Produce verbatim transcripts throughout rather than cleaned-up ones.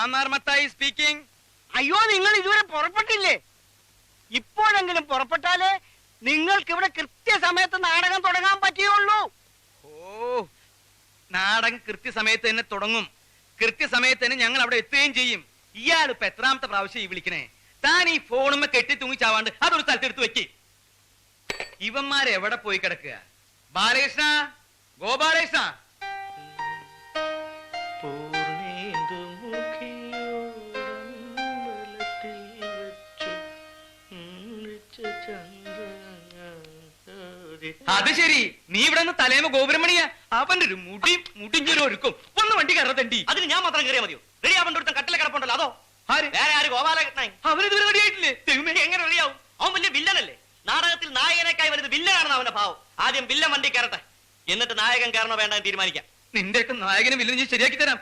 Mannar Mathai speaking. അയ്യോ, നിങ്ങൾ ഇതുവരെ പുറപ്പെട്ടില്ലേ? ഇപ്പോഴെങ്കിലും പുറപ്പെട്ടാലേ നിങ്ങൾക്ക് ഇവിടെ കൃത്യസമയത്ത് നാടകം തുടങ്ങാൻ പറ്റുകയുള്ളൂ. ഓ, നാടകം കൃത്യസമയത്ത് തന്നെ തുടങ്ങും. കൃത്യസമയത്ത് തന്നെ ഞങ്ങൾ അവിടെ എത്തുകയും ചെയ്യും. ഇയാൾ ഇപ്പൊ എത്രാമത്തെ പ്രാവശ്യം ഈ വിളിക്കണേ? താൻ ഈ ഫോണുമ്മ കെട്ടി തൂങ്ങിച്ചാവാണ്ട് അതൊരു സ്ഥലത്തെടുത്ത് വെക്ക്. ഇവന്മാരെവിടെ പോയി കിടക്കുക? ബാലകൃഷ്ണ, ഗോപാലകൃഷ്ണ. അത് ശരി, നീ ഇവിടെ നിന്ന് തലേമ ഗോപുരമണിയാ. അവന്റെ ഒരു മുടി മുടിഞ്ഞൊരു ഒരുക്കും. ഒന്ന് വണ്ടി കയറത്തണ്ടി. അതിന് ഞാൻ മാത്രം കയറിയാ മതിയോ? റെഡി ആവണ്ട ഒരുത്തൻ കട്ടിലെ കിടപ്പുണ്ടല്ലോ, അതോ? വേറെ ആര്? ഗോപാലകൃഷ്ണൻ. അവനിതുവരെ റെഡിയായിട്ടില്ലേ? എങ്ങനെ റെഡിയാവും? അവൻ വലിയ വില്ലനല്ലേ? നാടകത്തിൽ നായകനേക്കായി വരുന്നത് വില്ലനാണെന്ന് അവന്റെ ഭാവം. ആദ്യം വില്ലൻ വണ്ടി കയറട്ടെ, എന്നിട്ട് നായകൻ കയറണോ വേണ്ടെന്ന് തീരുമാനിക്കാം. നിന്റെ ഒക്കെ നായകനെ വില്ലൻ ഞാൻ ശരിയാക്കി തരാം.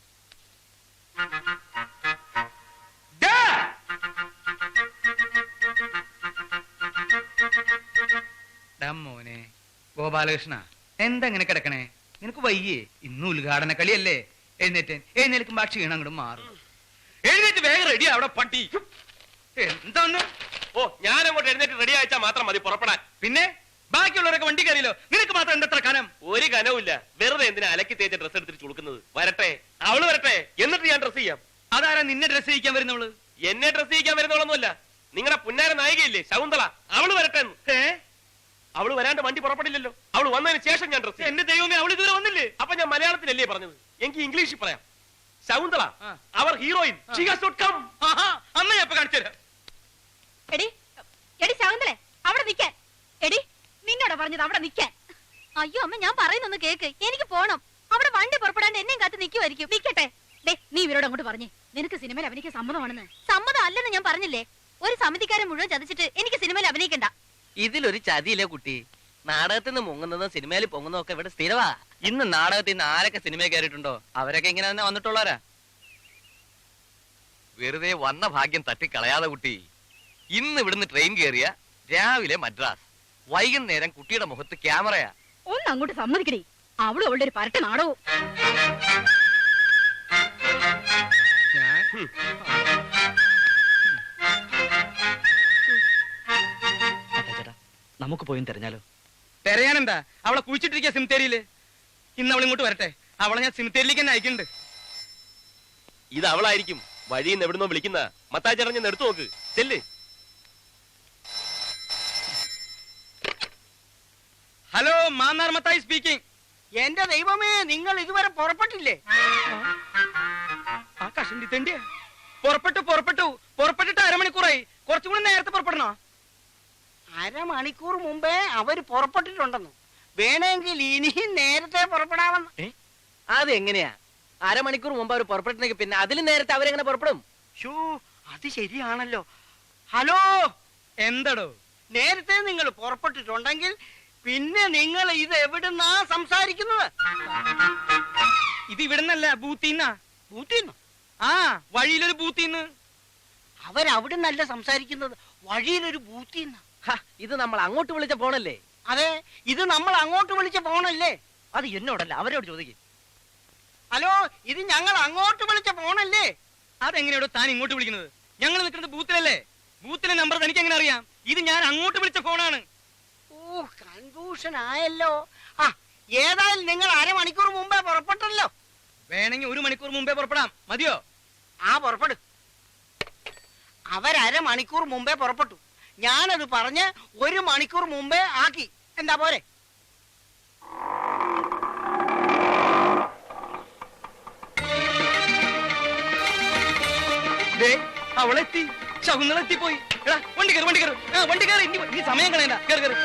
മോനെ ഗോപാലകൃഷ്ണ, എന്താ ഇങ്ങനെ കിടക്കണേ? നിനക്ക് വയ്യേ? ഇന്ന് ഉദ്ഘാടന കളിയല്ലേ? എഴുന്നേറ്റ് എഴുന്നേൽക്കുമ്പോ ആ ക്ഷീണം അങ്ങോട്ട് മാറും. എഴുന്നേറ്റ് വേഗം റെഡി അവിടെ പട്ടി. എന്താന്ന്? ഓ, ഞാൻ അങ്ങോട്ട് എഴുന്നേറ്റ് റെഡി അയച്ചാൽ മാത്രം മതി പുറപ്പെടാൻ. പിന്നെ ബാക്കിയുള്ളവരൊക്കെ വണ്ടി കയറിയല്ലോ, നിനക്ക് മാത്രം എന്തത്ര കനം? ഒരു കനവുമില്ല. വെറുതെ എന്തിനാ അലക്കി തേച്ച ഡ്രസ് എടുത്തിട്ട് ചുളുക്കുന്നത്? വരട്ടെ, അവള് വരട്ടെ, എന്നിട്ട് ഞാൻ ഡ്രസ് ചെയ്യാം. അതാരാ നിന്നെ ഡ്രസ് ചെയ്യിക്കാൻ വരുന്നവള്? എന്നെ ഡ്രസ് ചെയ്യിക്കാൻ വരുന്നവളൊന്നുമല്ല, നിങ്ങളുടെ പുന്നാര നായികയില്ലേ ശകുന്തള, അവള് വരട്ടെ. ഏ, അവള് വരാണ്ട് വണ്ടി പുറപ്പെടില്ലല്ലോ. അവള് വന്നതിന് ശേഷം ഞാൻ ഡ്രസ്. എന്റെ ദൈവമേ, അവള് ഇതുവരെ വന്നില്ലേ? അപ്പൊ ഞാൻ മലയാളത്തിലല്ലേ പറഞ്ഞത്? എനിക്ക് ഇംഗ്ലീഷിൽ പറയാം. ശകുന്തള, അവർ ഹീറോയിൻ, അമ്മ ഞാൻ കാണിച്ചു തരാം. എടി എടി ശകുന്തളെ, അവിടെ നിൽക്കാൻ. എടി, നിന്നോട് പറഞ്ഞത് അവിടെ നിൽക്കാൻ. അയ്യോ അമ്മ, ഞാൻ പറയുന്നൊന്ന് കേക്ക്. എനിക്ക് പോണം. അവിടെ വണ്ടി പുറപ്പെടാണ്ട് എന്നെയും കാത്ത് നിൽക്കുമായിരിക്കും. നിൽക്കട്ടെ. ഡേ, നീ ഇവരോട് അങ്ങോട്ട് പറഞ്ഞേ, നിനക്ക് സിനിമയിൽ അഭിനയിക്കാൻ സമ്മതമാണെന്ന്. സമ്മതം അല്ലെന്ന് ഞാൻ പറഞ്ഞില്ലേ? ഒരു സമിതിക്കാരെ മുഴുവൻ ചതിച്ചിട്ട് എനിക്ക് സിനിമയിൽ അഭിനയിക്കണ്ട. ഇതിലൊരു ചതിയില്ലേ കുട്ടി? നാടകത്തിൽ നിന്ന് മുങ്ങുന്നതും സിനിമയിൽ പൊങ്ങുന്നതും ഒക്കെ ഇവിടെ സ്ഥിരവാ. ഇന്ന് നാടകത്തിൽ നിന്ന് ആരൊക്കെ സിനിമയിൽ കയറിയിട്ടുണ്ടോ അവരൊക്കെ ഇങ്ങനെ തന്നെ വന്നിട്ടുള്ളവരാ. വെറുതെ വന്ന ഭാഗ്യം തട്ടിക്കളയാതെ കുട്ടി. ഇന്ന് ഇവിടുന്ന് ട്രെയിൻ കയറിയ രാവിലെ മദ്രാസ്, വൈകുന്നേരം കുട്ടിയുടെ മുഖത്ത് ക്യാമറയാ. ഒന്ന് അങ്ങോട്ട് സമ്മതിക്കടി. അവളും അവളുടെ ഒരു പരട്ട നാടകവും. നമുക്ക് പോയി തെരഞ്ഞാലോ? തെരയാനെന്താ? അവളെ കുഴിച്ചിട്ടിരിക്കുക സിമിത്തേരിയില്. ഇന്ന് അവൾ ഇങ്ങോട്ട് വരട്ടെ, അവളെ ഞാൻ സിമിത്തേരിയിലേക്ക് തന്നെ അയക്കുന്നുണ്ട്. ഇത് അവളായിരിക്കും. വഴിയിൽ നിന്ന് എവിടുന്നോ വിളിക്കുന്ന. മത്തായി ചേട്ടൻ ഞാൻ എടുത്തു നോക്ക്, ചെല്ല്. Hello, Mannar Mathai speaking. എന്റെ ദൈവമേ, നിങ്ങൾ ഇതുവരെ പുറപ്പെട്ടില്ലേ? ആ കഷണ്ടി തെണ്ടിയ പുറപ്പെട്ടു പുറപ്പെട്ടു പുറപ്പെട്ടിട്ട് അരമണിക്കൂറായി. കുറച്ചുകൂടി നേരത്തെ പുറപ്പെടണോ? അരമണിക്കൂർ മുമ്പേ അവര് പുറപ്പെട്ടിട്ടുണ്ടെന്നു. വേണമെങ്കിൽ ഇനിയും നേരത്തെ പുറപ്പെടാമെന്ന്. അതെങ്ങനെയാ? അരമണിക്കൂർ മുമ്പ് അവർ പുറപ്പെട്ടെങ്കിൽ പിന്നെ അതിലും നേരത്തെ അവരെങ്ങനെ പുറപ്പെടും? ഷോ, അത് ശരിയാണല്ലോ. ഹലോ, എന്തടോ? നേരത്തെ നിങ്ങൾ പുറപ്പെട്ടിട്ടുണ്ടെങ്കിൽ പിന്നെ നിങ്ങൾ ഇത് എവിടുന്നാ സംസാരിക്കുന്നത്? ഇത് ഇവിടുന്നല്ല, ബൂത്തിന്നാ. ബൂത്തിന്നോ? ആ, വഴിയിലൊരു ബൂത്തിന്ന്. അവരവിടുന്നല്ല സംസാരിക്കുന്നത്, വഴിയിലൊരു ബൂത്തിന്ന. ഇത് നമ്മൾ അങ്ങോട്ട് വിളിച്ച ഫോണല്ലേ? അതെ, ഇത് നമ്മൾ അങ്ങോട്ട് വിളിച്ച ഫോണല്ലേ? അത് എന്നോടല്ല, അവരോട് ചോദിക്കും. ഹലോ, ഇത് ഞങ്ങൾ അങ്ങോട്ട് വിളിച്ച ഫോണല്ലേ? അതെങ്ങനെയാണോ താൻ ഇങ്ങോട്ട് വിളിക്കുന്നത്? ഞങ്ങൾ നിൽക്കുന്നത് ബൂത്തിലല്ലേ. ബൂത്തിലെ നമ്പർ തനിക്ക് എങ്ങനെ അറിയാം? ഇത് ഞാൻ അങ്ങോട്ട് വിളിച്ച ഫോണാണ്. ഓ, കൺഫ്യൂഷൻ ആയല്ലോ. ആ, ഏതായാലും നിങ്ങൾ അരമണിക്കൂർ മുമ്പേ പുറപ്പെട്ടല്ലോ. വേണമെങ്കിൽ ഒരു മണിക്കൂർ മുമ്പേ പുറപ്പെടാം. മതിയോ? ആ, പുറപ്പെടും. അവരമണിക്കൂർ മുമ്പേ പുറപ്പെട്ടു. ഞാനത് പറഞ്ഞ് ഒരു മണിക്കൂർ മുമ്പേ ആക്കി. എന്താ പോരെ? അവളെത്തി, ശകുന്തളെത്തിപ്പോയി. എടാ, വണ്ടി കയറി, വണ്ടി കയറി, വണ്ടി കയറി. ഇനി സമയം കളയണ്ട, കയറി കയറി.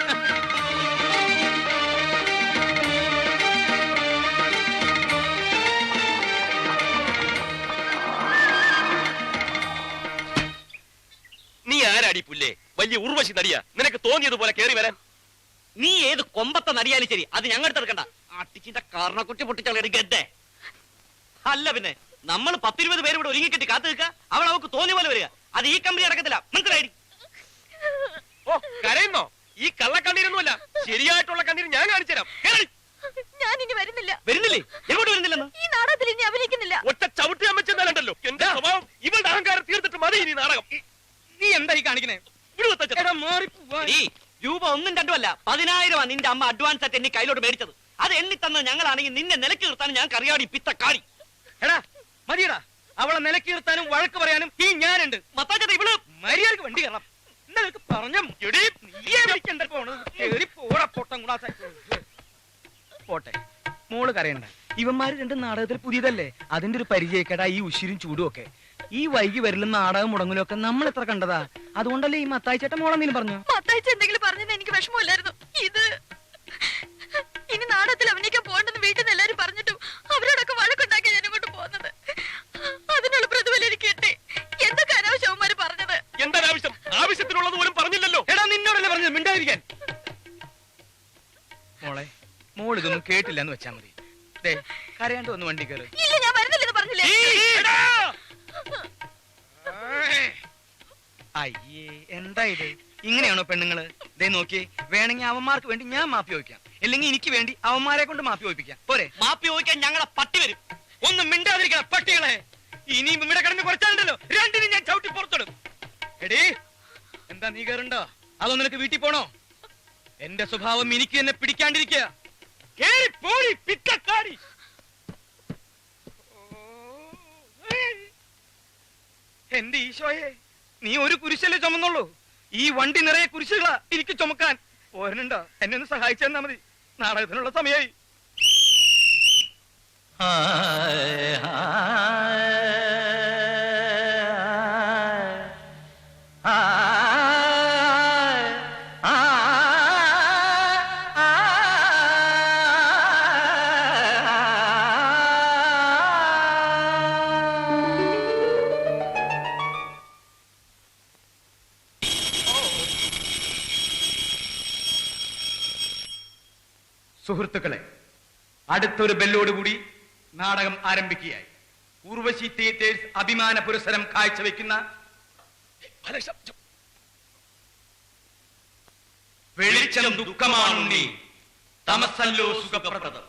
നീ ആരാടി പുല്ലേ? വലിയ ഉർവശി നടിയാ. നിനക്ക് തോന്നിയതുപോലെ കയറി വരാൻ. നീ ഏത് കൊമ്പത്തെ നടിയാലും ശരി, അത് ഞങ്ങൾ എടുക്കണ്ട. അട്ടിച്ചിന്റെ കാരണക്കുറ്റി പൊട്ടിച്ചളയുടെ ഗദ്ദേ. അല്ല പിന്നെ നമ്മൾ പത്തിരുപത് പേര് ഇവിടെ ഒരുങ്ങിക്കെട്ടി കാത്തു നിൽക്കുക, അവൾ അവൾക്ക് തോന്നിയ പോലെ വരിക. അത് ഈ കമ്പനി അടക്കത്തില്ല, മനസ്സിലായി? ഓ, കരയുന്നോ? ഈ കള്ളക്കണ്ണീരൊന്നുമല്ല, ശരിയായിട്ടുള്ള കണ്ണീര് ഞാൻ കാണിച്ചു തരാം. ഞാൻ ഇനി വരുന്നില്ല. വരുന്നില്ലേ? എങ്ങോട്ട് വരുന്നില്ലെന്ന്? ഈ നാടകത്തിൽ അങ്ങേര് ഇനി അഭിനയിക്കുന്നില്ല. ഒറ്റ ചവിട്ടി അമ്മച്ചെന്നാലുണ്ടല്ലോ എന്റെ സ്വഭാവം ഇവളുടെ അഹങ്കാരം തീർത്തിട്ട് മതി ഇനി നാടകം. നീ എന്താ ഈ കാണിക്കണേ? എടാ മാറിപ്പോവാ. ഈ രൂപ ഒന്നും രണ്ടും അല്ല, പതിനായിരമാ നിന്റെ അമ്മ അഡ്വാൻസ് ആയിട്ട് എന്നെ കയ്യിലോട്ട് മേടിച്ചത്. അത് എണ്ണി തന്നത് ഞങ്ങളാണെങ്കിൽ നിന്നെ നിലക്ക് നിർത്താൻ ഞാൻ കറിയാടി പിത്തക്കാടി. എടാ മതിയടാ, അവളെ നിലക്ക് നിർത്താനും വഴക്ക് പറയാനും ഈ ഞാനുണ്ട്. മത്താച്ചേട്ടാ ഇവള് മര്യാദക്ക് വണ്ടി കയറണം. എന്നൊക്കെ പറഞ്ഞ പോട്ടെ, മോള് കരയണ്ട. ഇവന്മാര് രണ്ടും നാടകത്തിൽ പുതിയതല്ലേ, അതിന്റെ ഒരു പരിചയക്കേടാ ഈ ഉശിരും ചൂടും ഒക്കെ. ഈ വൈകി വരലും നാടകം മുടങ്ങലും ഒക്കെ നമ്മൾ എത്ര കണ്ടതാ. അതുകൊണ്ടല്ലേ ഈ മത്തായി ചേട്ടൻ മോളെന്തെങ്കിലും പറഞ്ഞു? മത്തായിച്ച എന്തെങ്കിലും പറഞ്ഞത് എനിക്ക് വിഷമമില്ലായിരുന്നു. ഇത് ഇനി നാടകത്തിൽ അഭിനയിക്കാൻ പോകണ്ടെന്ന് വീട്ടിൽ നിന്ന് എല്ലാരും പറഞ്ഞിട്ടും അവരോടൊക്കെ വഴക്കുണ്ടാക്കി ഞാൻ ഇങ്ങോട്ട് പോകുന്നത്. അതിനുള്ള പ്രതിഫലം എനിക്ക് കിട്ടി. എന്തൊക്കെ അനാവശ്യം അവന്മാര് പറഞ്ഞത്. എന്താ ആവശ്യം? ആവശ്യത്തിനുള്ളത് പോലും പറഞ്ഞില്ലല്ലോ. എടാ നിന്നോടല്ലേ പറഞ്ഞത് മിണ്ടായിരിക്കാൻ. മോളെ, മോൾ ഇതൊന്നും കേട്ടില്ല എന്ന് വെച്ചാ മതി. ദേ കരയാണ്ട് ഒന്ന് വണ്ടി കയറി. ഇല്ല, ഞാൻ വരുന്നില്ലെന്ന് പറഞ്ഞില്ലേ. അയ്യേ, എന്താ ഇത്? ഇങ്ങനെയാണോ പെണ്ണുങ്ങള്? ദേ നോക്കിയേ, വേണമെങ്കിൽ അവന്മാർക്ക് വേണ്ടി ഞാൻ മാപ്പി ചോദിക്കാം, അല്ലെങ്കിൽ എനിക്ക് വേണ്ടി അവന്മാരെ കൊണ്ട് മാപ്പി ചോദിപ്പിക്കാം. പോരെ? മാപ്പി ചോദിക്കാൻ ഞങ്ങളെ പട്ടി വരും. ഒന്നും മിണ്ടാതിരിക്കണം പട്ടികളെ. ഇനിയും ഇവിടെ കിടന്ന് കുറച്ചാലുണ്ടല്ലോ രണ്ടിനും ഞാൻ ചവിട്ടി പുറത്തിടും. എടീ, എന്താ നീ കയറുണ്ടോ? അതോ നിനക്ക് വീട്ടിൽ പോണോ? എന്റെ സ്വഭാവം എനിക്ക് എന്നെ പിടിക്കാണ്ടിരിക്കുക. എന്റെ ഈശോയെ, നീ ഒരു കുരിശല്ലേ ചുമന്നുള്ളൂ? ഈ വണ്ടി നിറയെ കുരിശുകളാ എനിക്ക് ചുമക്കാൻ. പോരനുണ്ടോ? എന്നെ ഒന്ന് സഹായിച്ചെന്നാ മതി. നാടകത്തിനുള്ള സമയമായി. സുഹൃത്തുക്കളെ, അടുത്തൊരു ബെല്ലോടുകൂടി നാടകം ആരംഭിക്കുകയായി. ഉർവശി തിയേറ്റേഴ്സ് അഭിമാന പുരസ്സരം കാഴ്ചവെക്കുന്ന വെളിച്ചം ദുഃഖമാണുണ്ണി, തമസല്ലോ സുഖപ്രദം.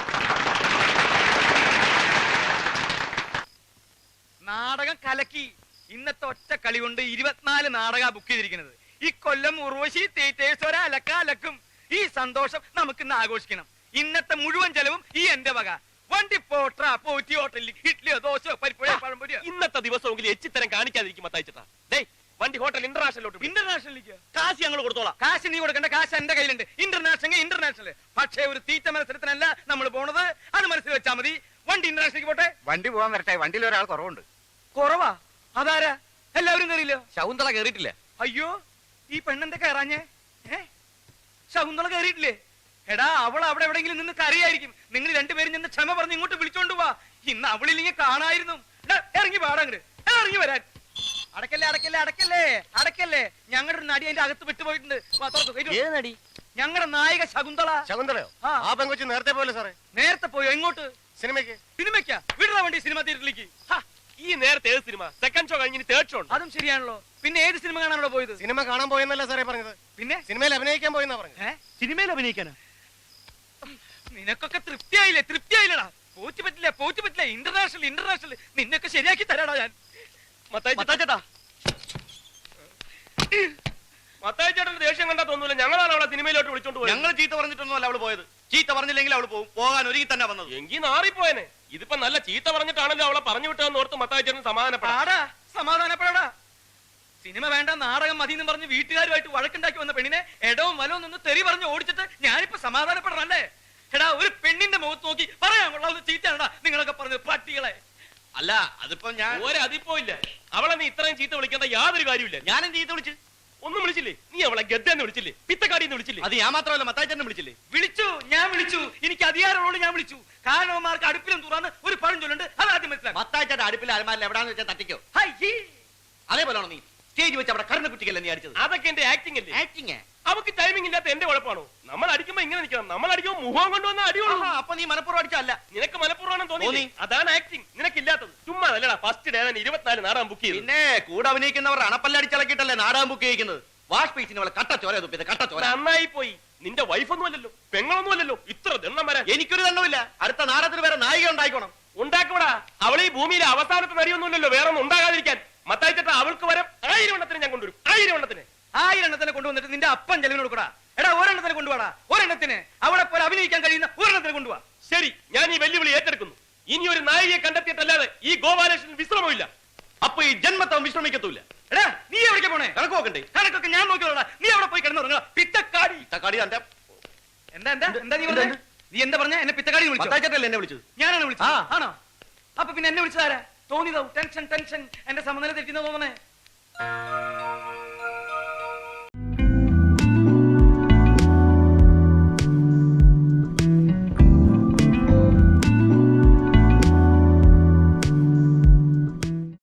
നാടകം കലക്കി. ഇന്നത്തെ ഒറ്റ കളി കൊണ്ട് ഇരുപത്തിനാല് നാടക ബുക്ക് ചെയ്തിരിക്കുന്നത്. ഈ കൊല്ലം ഉർവശി തിയേറ്റേഴ്സ് ഒരലക്ക അലക്കും. ഈ സന്തോഷം നമുക്ക് ഇന്ന് ആഘോഷിക്കണം. ഇന്നത്തെ മുഴുവൻ ചെലവും ഈ എന്റെ വക. വണ്ടി പോട്ട പോറ്റി ഹോട്ടലിൽ ഇഡ്ഡലിയോ ദോശയോ പരിപ്പുഴയോ പഴംപൊരിയോ. ഇന്നത്തെ ദിവസമെങ്കിലും എച്ചിത്തരം കാണിക്കാതിരിക്കും മത്തായിച്ചേട്ടാ. ഡേ വണ്ടി ഹോട്ടൽ ഇന്റർനാഷണലോട്ട്. ഇന്റർനാഷണലിലേക്ക് കാശ് ഞങ്ങൾ കൊടുത്തോളാം. കാശ് നീ കൊടുക്കേണ്ട, കാശ് എന്റെ കയ്യിലുണ്ട്. International international. പക്ഷേ ഒരു തീറ്റ മത്സരത്തിനല്ല നമ്മൾ പോണത്. അത് മനസ്സിൽ വെച്ചാൽ മതി. വണ്ടി ഇന്റർനാഷണലിലേക്ക് പോട്ടെ. വണ്ടി പോകാൻ വരട്ടെ, വണ്ടിയിൽ ഒരാൾ കുറവുണ്ട്. കുറവാ? അതാരാ? എല്ലാവരും കയറിയില്ലോ? ശകുന്തള കേറിയിട്ടില്ല. അയ്യോ, ഈ പെണ്ണെന്താ കയറാഞ്ഞേ? ഏ ശകുന്തള കയറിയിട്ടില്ലേ? എടാ, അവൾ അവിടെ എവിടെയെങ്കിലും നിന്ന് കരയായിരിക്കും. നിങ്ങൾ രണ്ടുപേരും നിന്ന് ക്ഷമ പറഞ്ഞ് ഇങ്ങോട്ട് വിളിച്ചോണ്ട് പോവാ. ഇന്ന് അവളില്ലെങ്കിൽ കാണായിരുന്നു. ഇറങ്ങി പാടങ്ങട്, ഇറങ്ങി വരാൻ. അടക്കല്ലേ അടക്കല്ലേ അടക്കല്ലേ അടക്കല്ലേ. ഞങ്ങളുടെ ഒരു നടി അതിന്റെ അകത്ത് വിട്ടുപോയിട്ടുണ്ട്. ഞങ്ങളുടെ നായിക ശകുന്തള. ശകുന്തളയോ? ആ. ആ പെങ്കൊച്ച് നേരത്തെ പോലെ സാറേ. നേരത്തെ പോയോ? എങ്ങോട്ട്? സിനിമയ്ക്ക്. സിനിമയ്ക്കാ? വിടറ വണ്ടി സിനിമ തിയേറ്ററിലേക്ക്. ഈ നേരത്തെ ഏത് സിനിമ? സെക്കൻഡ് ഷോ കഴിഞ്ഞ് തേർഡ് ഷോ ഉണ്ട്. അതും ശരിയാണല്ലോ. പിന്നെ ഏത് സിനിമ കാണാനോ പോയത്? സിനിമ കാണാൻ പോയെന്നല്ല സാറേ പറഞ്ഞത്. പിന്നെ സിനിമയിൽ അഭിനയിക്കാൻ പോയെന്നാ പറഞ്ഞത്. ഏ സിനിമയിൽ അഭിനയിക്കാനാ? നിനക്കൊക്കെ തൃപ്തിയായില്ലേ? തൃപ്തിയായില്ലടാ. പോച്ചു പറ്റില്ല, പോച്ചു പറ്റില്ല. ഇന്റർനാഷണൽ ഇന്റർനാഷണൽ നിന്നൊക്കെ ശരിയാക്കി തരാടാ ഞാൻ. മത്തായിച്ചേട്ടാ, മത്തായിച്ചേട്ടന്റെ ദേഷ്യം കണ്ടാ തോന്നൂല. ഞങ്ങളാണ് അവളെ സിനിമയിലോട്ട് വിളിച്ചോണ്ട് പോയത്. ഞങ്ങൾ ചീത്ത പറഞ്ഞിട്ടൊന്നും അല്ല അവള് പോയത്. ചീത്ത പറഞ്ഞില്ലെങ്കിൽ അവള് പോകും. പോകാൻ ഒരുങ്ങി തന്നെ വന്നത്. എങ്കിൽ നാറിപ്പോയനെ. ഇതിപ്പോ നല്ല ചീത്ത പറഞ്ഞിട്ടാണല്ലോ അവളെ പറഞ്ഞു വിട്ടതെന്ന് ഓർത്ത് മത്തായിച്ചേട്ടൻ സമാധാനപ്പെടാ. പാടാ, സമാധാനപ്പെടാ. സിനിമ വേണ്ട, നാടകം മതി എന്ന് പറഞ്ഞ് വീട്ടുകാരുമായിട്ട് വഴക്കുണ്ടാക്കി വന്ന പെണ്ണിനെ എടവും വലവും നിന്ന് തെറി പറഞ്ഞ് ഓടിച്ചിട്ട് ഞാനിപ്പോ സമാധാനപ്പെടണല്ലേ? എടാ, ഒരു പെണ്ണിന്റെ മുഖത്ത് നോക്കി പറയാൻ കൊള്ളാവുന്ന ചീത്തയാണടാ നിങ്ങളൊക്കെ പറഞ്ഞത്, പട്ടികളെ. അല്ല, അതിപ്പോ ഞാൻ ഒരതിപ്പോ ഇല്ല. അവളെ നീ ഇത്രയും ചീത്ത വിളിക്കേണ്ട യാതൊരു കാര്യമില്ല. ഞാനും ചീത്ത വിളിച്ച്. ഒന്നും വിളിച്ചില്ലേ? നീ അവളെ ഗദ്ദെന്ന് വിളിച്ചില്ലേ? പിത്തക്കാടിന്ന് വിളിച്ചില്ലേ? അത് ഞാൻ മാത്രമല്ല, മത്തായിച്ചേട്ടനെ വിളിച്ചില്ലേ? വിളിച്ചു, ഞാൻ വിളിച്ചു. എനിക്ക് അധികാരമുള്ളൂ, ഞാൻ വിളിച്ചു. കാരണവന്മാർക്ക് അടുപ്പിലും തുറന്ന് ഒരു പഴഞ്ചൊല്ലുണ്ട്, അത് ആദ്യം മനസ്സിലാക്കി. മത്തായിച്ചേട്ടൻ അടുപ്പിൽ അലമാരിൽ എവിടാന്ന് വെച്ചാൽ തട്ടിക്കോ. ഹയ്യേ. അതേപോലെയാണോ നീ സ്റ്റേജ് വെച്ച് അവിടെ കരുണ കുട്ടിക്കല്ലേ നീ അടിച്ചത്? അതൊക്കെ എന്റെ ആക്ടിംഗ് അല്ലേ? ആക്ടിങ്. അവക്ക് ടൈമിംഗ് ഇല്ലാത്ത എന്റെ കുഴപ്പമാണോ? നമ്മൾ അടിക്കുമ്പോ ഇങ്ങനെ നിൽക്കണം. നമ്മൾ അടിക്കുമ്പോ മുഖം കൊണ്ടുവന്ന അടിയുള്ളൂ. അപ്പൊ നീ മനപ്പുറം അടിച്ചല്ല. നിനക്ക് മലപ്പുറമാണെന്ന് തോന്നി. തോന്നി. അതാണ് ആക്ടിംഗ്. നിനക്കില്ലാത്തത്. ചുമ്മാ അല്ലടാ. ഫസ്റ്റ് ഡേ തന്നെ ഇരുപത്തിനാല് നാടകം ബുക്ക് ചെയ്തു. പിന്നെ കൂടെ അഭിനയിക്കുന്നവർ അണപ്പല്ലടിച്ചിളക്കിയിട്ടല്ലേ നാടകം ബുക്ക് ചെയ്യിക്കുന്നത്. വാഷ് പീസിന് അവളെ കട്ട ചോര തുപ്പിയത്, കട്ട ചോര. നന്നായി പോയി. നിന്റെ വൈഫൊന്നും അല്ലല്ലോ, പെങ്ങളൊന്നും അല്ലല്ലോ. ഇത്ര ദണ്ണം വരാൻ എനിക്കൊരു ദണ്ണമില്ല. അടുത്ത നാടകത്തിന് വേറെ നായിക ഉണ്ടായിക്കോണം. ഉണ്ടാക്കൂടാ. അവൾ ഈ ഭൂമിയിലെ അവസാനത്തെ നരിയൊന്നുമില്ലല്ലോ, വേറെ ഒന്നും ഉണ്ടാകാതിരിക്കാൻ. മത്തായി ചേട്ടാ, അവൾക്ക് വരം ആയിരം എണ്ണത്തിന് ഞാൻ കൊണ്ടുവരും. ആയിരം എണ്ണത്തിന് ആയിരം എണ്ണത്തിനെ കൊണ്ടുവന്നിട്ട് നിന്റെ അപ്പൻ ചെലവിനോട് കൂടാ. എടാ ഒരെണ്ണത്തിന് കൊണ്ടുപോടാ, ഒരെണ്ണത്തിന് അവിടെ പോലെ അഭിനയിക്കാൻ കഴിയുന്ന ഒരെണ്ണത്തിന് കൊണ്ടുപോവാ. ശരി, ഞാൻ ഈ വെല്ലുവിളി ഏറ്റെടുക്കുന്നു. ഇനി ഒരു നായികയെ കണ്ടെത്തിയിട്ടല്ലാതെ ഈ ഗോപാലകൃഷ്ണൻ വിശ്രമമില്ല. അപ്പൊ ഈ ജന്മത്തവൻ വിശ്രമിക്കത്തൂല്ല. എടാ നീ എവിടേക്ക് പോണേ? കണക്ക് നോക്കണ്ടേ? കണക്കൊക്കെ ഞാൻ നോക്കിയോളാ. നീ അവിടെ പോയി കിടന്നുറങ്ങാ പിത്തക്കാടി. തക്കാടി തന്റെ എന്താ എന്താ എന്താ നീ പറഞ്ഞേ? നീ എന്താ പറഞ്ഞ? എന്നെ പിത്തക്കാടി വിളിച്ചു? മത്തായിച്ചേട്ടല്ലേ എന്നെ വിളിച്ചത്? ഞാനാണ് വിളിച്ചത്. ആ. ആണോ? അപ്പൊ പിന്നെ എന്നെ വിളിച്ചതാരാ? തോന്നിയതാവും. ടെൻഷൻ ടെൻഷൻ എന്റെ സമനില തെറ്റിന്ന് തോന്നണേ.